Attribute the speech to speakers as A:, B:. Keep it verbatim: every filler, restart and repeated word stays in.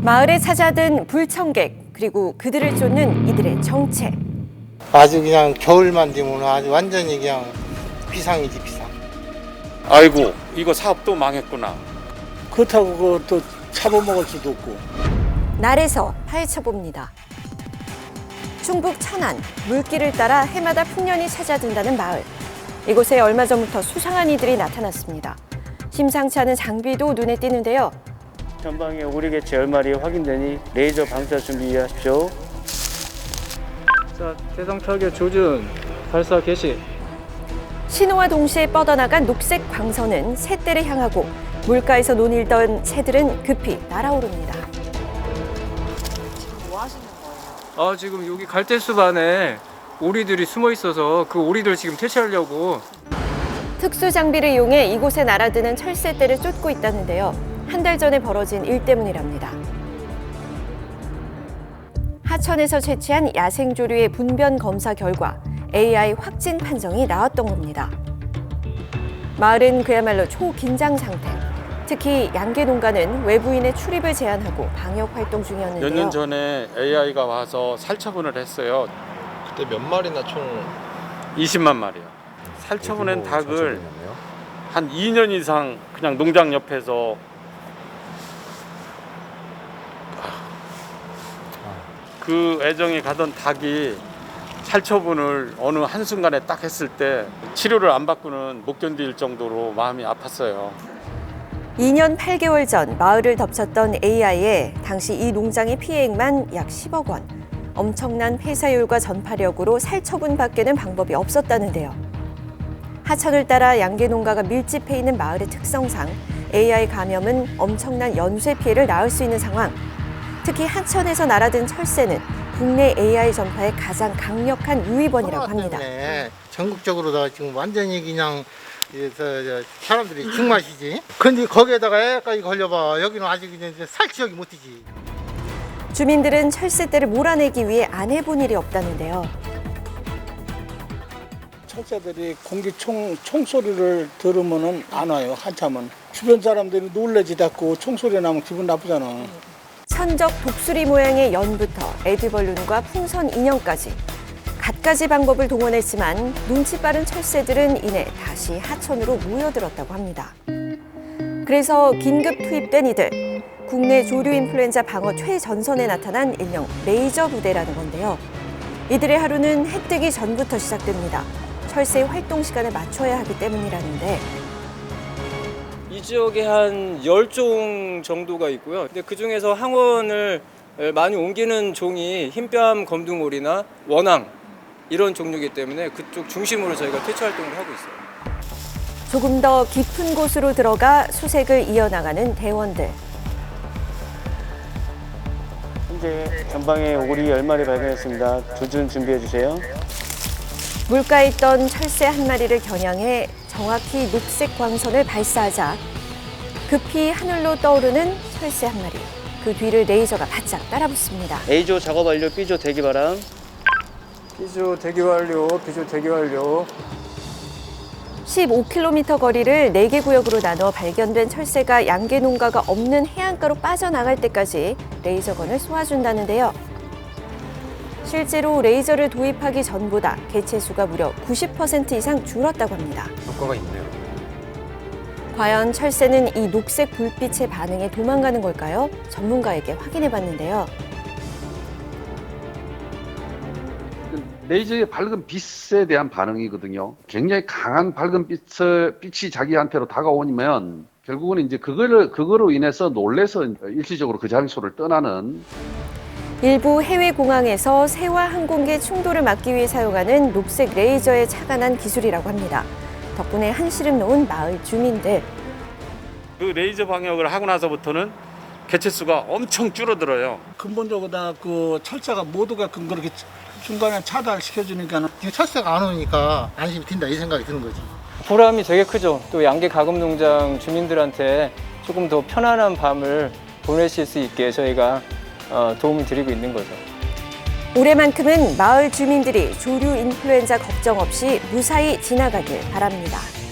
A: 마을에 찾아든 불청객, 그리고 그들을 쫓는 이들의 정체.
B: 아주 그냥 겨울만 되면 아주 완전히 그냥 비상이지 비상.
C: 아이고, 이거 사업 또 망했구나.
D: 그렇다고 그것도 잡아먹을 수도 없고.
A: 날에서 파헤쳐 봅니다. 충북 천안, 물길을 따라 해마다 풍년이 찾아든다는 마을. 이곳에 얼마 전부터 수상한 이들이 나타났습니다. 심상치 않은 장비도 눈에 띄는데요.
E: 전방에 오리개체 열 마리 확인되니 레이저 방사 준비하십시오. 자, 대상 타격 조준, 발사 개시.
A: 신호와 동시에 뻗어나간 녹색 광선은 새떼를 향하고 물가에서 논일던 새들은 급히 날아오릅니다.
F: 지금 뭐 하시는 거예요?
E: 아, 지금 여기 갈대숲 안에 오리들이 숨어 있어서 그 오리들 지금 퇴치하려고.
A: 특수 장비를 이용해 이곳에 날아드는 철새떼를 쫓고 있다는데요. 한 달 전에 벌어진 일 때문이랍니다. 하천에서 채취한 야생조류의 분변 검사 결과 에이아이 확진 판정이 나왔던 겁니다. 마을은 그야말로 초긴장 상태. 특히 양계 농가는 외부인의 출입을 제한하고 방역 활동 중이었는데요.
C: 몇 년 전에 에이아이가 와서 살처분을 했어요.
G: 그때 몇 마리나 총?
C: 이십만 마리요. 살처분한 닭을 한 이 년 이상 그냥 농장 옆에서 그 애정이 가던 닭이 살처분을 어느 한순간에 딱 했을 때 치료를 안 받고는 못 견딜 정도로 마음이 아팠어요.
A: 이 년 팔 개월 전 마을을 덮쳤던 에이아이에 당시 이 농장의 피해액만 약 십억 원. 엄청난 폐사율과 전파력으로 살처분밖에는 방법이 없었다는데요. 하천을 따라 양계 농가가 밀집해 있는 마을의 특성상 에이아이 감염은 엄청난 연쇄 피해를 낳을 수 있는 상황. 특히 하천에서 날아든 철새는 국내 에이아이 전파의 가장 강력한 유의번이라고 합니다.
B: 전국적으로 다 지금 완전히 그냥 이, 저, 저, 사람들이 죽맛이지. 근데 거기에다가 애까지 걸려봐. 여기는 아직 그냥 살 지역이 못 뛰지.
A: 주민들은 철새떼를 몰아내기 위해 안 해본 일이 없다는데요.
D: 철새들이 공기총 총소리를 들으면은 안 와요. 한참은 주변 사람들이 놀래지 않고 총소리 나면 기분 나쁘잖아.
A: 천적 독수리 모양의 연부터 에드벌룬과 풍선 인형까지 갖가지 방법을 동원했지만 눈치 빠른 철새들은 이내 다시 하천으로 모여들었다고 합니다. 그래서 긴급 투입된 이들, 국내 조류 인플루엔자 방어 최전선에 나타난 일명 레이저 부대라는 건데요. 이들의 하루는 해 뜨기 전부터 시작됩니다. 철새의 활동 시간에 맞춰야 하기 때문이라는데
E: 이 지역에 한 열 종 정도가 있고요. 근데 그 중에서 항원을 많이 옮기는 종이 흰뺨 검둥오리나 원앙 이런 종류이기 때문에 그쪽 중심으로 저희가 퇴치 활동을 하고 있어요.
A: 조금 더 깊은 곳으로 들어가 수색을 이어나가는 대원들.
E: 현재 전방에 오리 열 마리 발견했습니다. 조준 준비해 주세요.
A: 물가에 있던 철새 한 마리를 겨냥해 정확히 녹색 광선을 발사하자 급히 하늘로 떠오르는 철새 한 마리. 그 뒤를 레이저가 바짝 따라붙습니다.
E: A조 작업 완료, B조 대기 바람. B조 대기 완료, B조 대기 완료.
A: 십오 킬로미터 거리를 네 개 구역으로 나눠 발견된 철새가 양계 농가가 없는 해안가로 빠져나갈 때까지 레이저건을 쏘아준다는데요. 실제로 레이저를 도입하기 전보다 개체 수가 무려 구십 퍼센트 이상 줄었다고 합니다.
G: 효과가 있네요.
A: 과연 철새는 이 녹색 불빛에 반응해 도망가는 걸까요? 전문가에게 확인해 봤는데요.
H: 레이저의 밝은 빛에 대한 반응이거든요. 굉장히 강한 밝은 빛을, 빛이 자기한테로 다가오면 결국은 이제 그거를, 그거로 인해서 놀래서 일시적으로 그 장소를 떠나는.
A: 일부 해외 공항에서 새와 항공기 충돌을 막기 위해 사용하는 녹색 레이저에 착안한 기술이라고 합니다. 덕분에 한시름 놓은 마을 주민들.
C: 그 레이저 방역을 하고 나서부터는 개체 수가 엄청 줄어들어요.
D: 근본적으로 다 그 철새가 모두가 그 그렇게 중간에 차단시켜주니까는
B: 철새가 안 오니까 안심이 든다 이 생각이 드는 거지.
E: 보람이 되게 크죠. 또 양계 가금농장 주민들한테 조금 더 편안한 밤을 보내실 수 있게 저희가 도움을 드리고 있는 거죠.
A: 올해만큼은 마을 주민들이 조류 인플루엔자 걱정 없이 무사히 지나가길 바랍니다.